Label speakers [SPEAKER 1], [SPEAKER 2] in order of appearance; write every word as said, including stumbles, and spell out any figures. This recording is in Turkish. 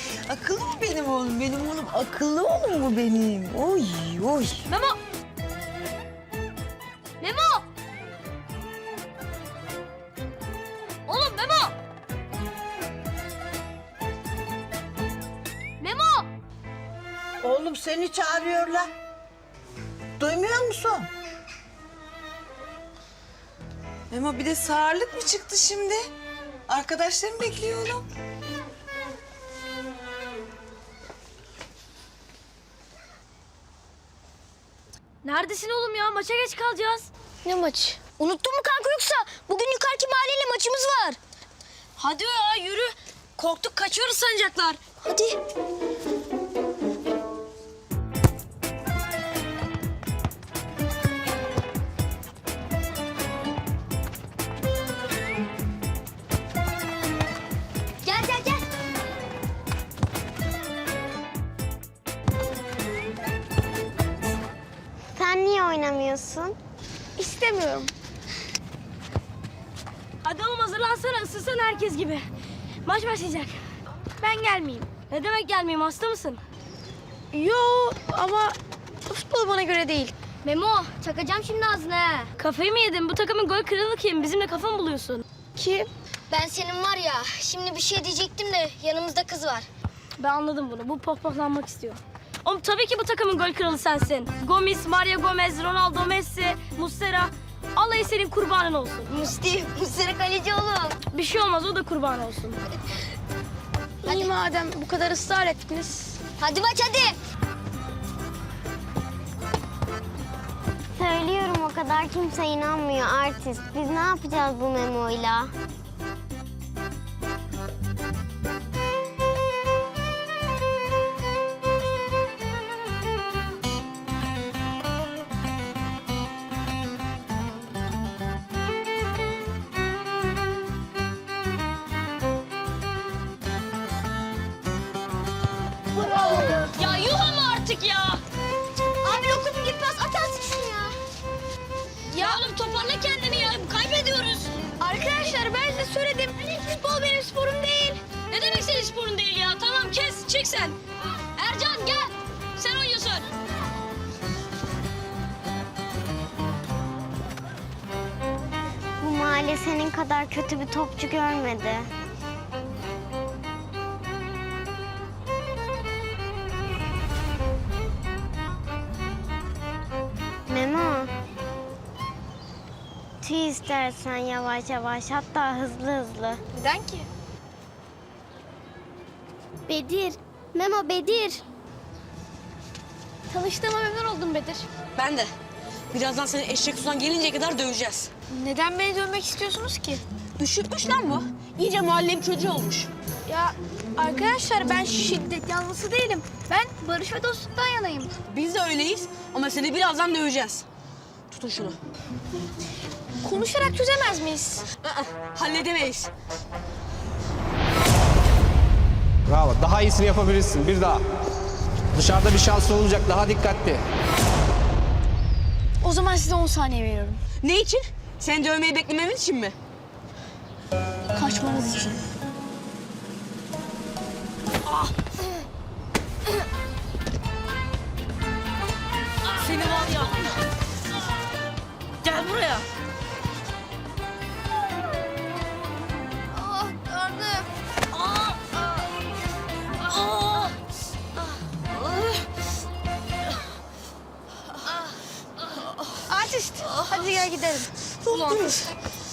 [SPEAKER 1] Akıllı mı benim oğlum? Benim oğlum akıllı oğlum mu benim? Oy oy.
[SPEAKER 2] Memo! Memo! Oğlum Memo! Memo!
[SPEAKER 1] Oğlum seni çağırıyorlar. Duymuyor musun?
[SPEAKER 3] Memo bir de sağırlık mı çıktı şimdi? Arkadaşlarım bekliyor oğlum.
[SPEAKER 2] Neredesin oğlum ya? Maça geç kalacağız.
[SPEAKER 4] Ne maçı? Unuttun mu kanka yoksa? Bugün yukarıki mahalleyle maçımız var.
[SPEAKER 2] Hadi ya yürü. Korktuk kaçıyoruz sanacaklar.
[SPEAKER 4] Hadi. Gel gel gel.
[SPEAKER 5] Sen niye oynamıyorsun?
[SPEAKER 4] İstemiyorum.
[SPEAKER 2] Hadi oğlum hazırlansana ısınsana herkes gibi. Maç başlayacak.
[SPEAKER 4] Ben gelmeyeyim.
[SPEAKER 2] Ne demek gelmeyeyim hasta mısın?
[SPEAKER 4] Yo ama futbol bana göre değil.
[SPEAKER 2] Memo çakacağım şimdi ağzına ha. Kafayı mı yedin? Bu takımın gol kralı kim? Bizimle kafa mı buluyorsun?
[SPEAKER 4] Kim?
[SPEAKER 5] Ben senin var ya, şimdi bir şey diyecektim de yanımızda kız var.
[SPEAKER 2] Ben anladım bunu. Bu pohpohlanmak istiyor. Oğlum tabii ki bu takımın gol kralı sensin. Gomis, Mario Gomez, Ronaldo, Messi, Muslera. Alayı senin kurbanın olsun.
[SPEAKER 5] Musti, Musti kaleci oğlum.
[SPEAKER 2] Bir şey olmaz o da kurban olsun.
[SPEAKER 4] İyi madem bu kadar ısrar ettiniz.
[SPEAKER 5] Hadi maç hadi.
[SPEAKER 6] Söylüyorum o kadar kimse inanmıyor artist. Biz ne yapacağız bu memoyla?
[SPEAKER 2] Ya yuh ama artık ya.
[SPEAKER 5] Abi lokum gitmez, atarsın şunu ya.
[SPEAKER 2] Ya oğlum toparla kendini ya. Kaybediyoruz.
[SPEAKER 4] Arkadaşlar ben size söyledim. Futbol benim sporum değil.
[SPEAKER 2] Ne demek senin sporun değil ya? Tamam kes çık sen. Ercan gel. Sen oynuyorsun.
[SPEAKER 6] Bu mahalle senin kadar kötü bir topçu görmedi. Memo. Tüy istersen yavaş yavaş, hatta hızlı hızlı.
[SPEAKER 4] Neden ki?
[SPEAKER 6] Bedir. Memo Bedir.
[SPEAKER 4] Tanıştığıma memnun oldum Bedir.
[SPEAKER 3] Ben de. Birazdan seni eşek sudan gelinceye kadar döveceğiz.
[SPEAKER 4] Neden beni dövmek istiyorsunuz ki?
[SPEAKER 3] Üşütmüş lan bu. İyice mahallenin çocuğu olmuş.
[SPEAKER 4] Ya arkadaşlar ben şiddet yanlısı değilim. Ben barış ve dostluktan yanayım.
[SPEAKER 3] Biz de öyleyiz ama seni birazdan döveceğiz. Tutun şunu.
[SPEAKER 4] Konuşarak çözemez miyiz?
[SPEAKER 3] Aa, halledemeyiz.
[SPEAKER 7] Bravo. Daha iyisini yapabilirsin. Bir daha. Dışarıda bir şans olacak. Daha dikkatli.
[SPEAKER 4] O zaman size on saniye veriyorum.
[SPEAKER 3] Ne için? Seni dövmeyi beklememiz için mi?
[SPEAKER 4] Kaçmanız için.
[SPEAKER 2] Seni var ya. Gel buraya.
[SPEAKER 4] Ah karnım.
[SPEAKER 2] Aa! Aa!
[SPEAKER 4] Artist. Hadi gel gidelim.
[SPEAKER 3] Ne yaptınız?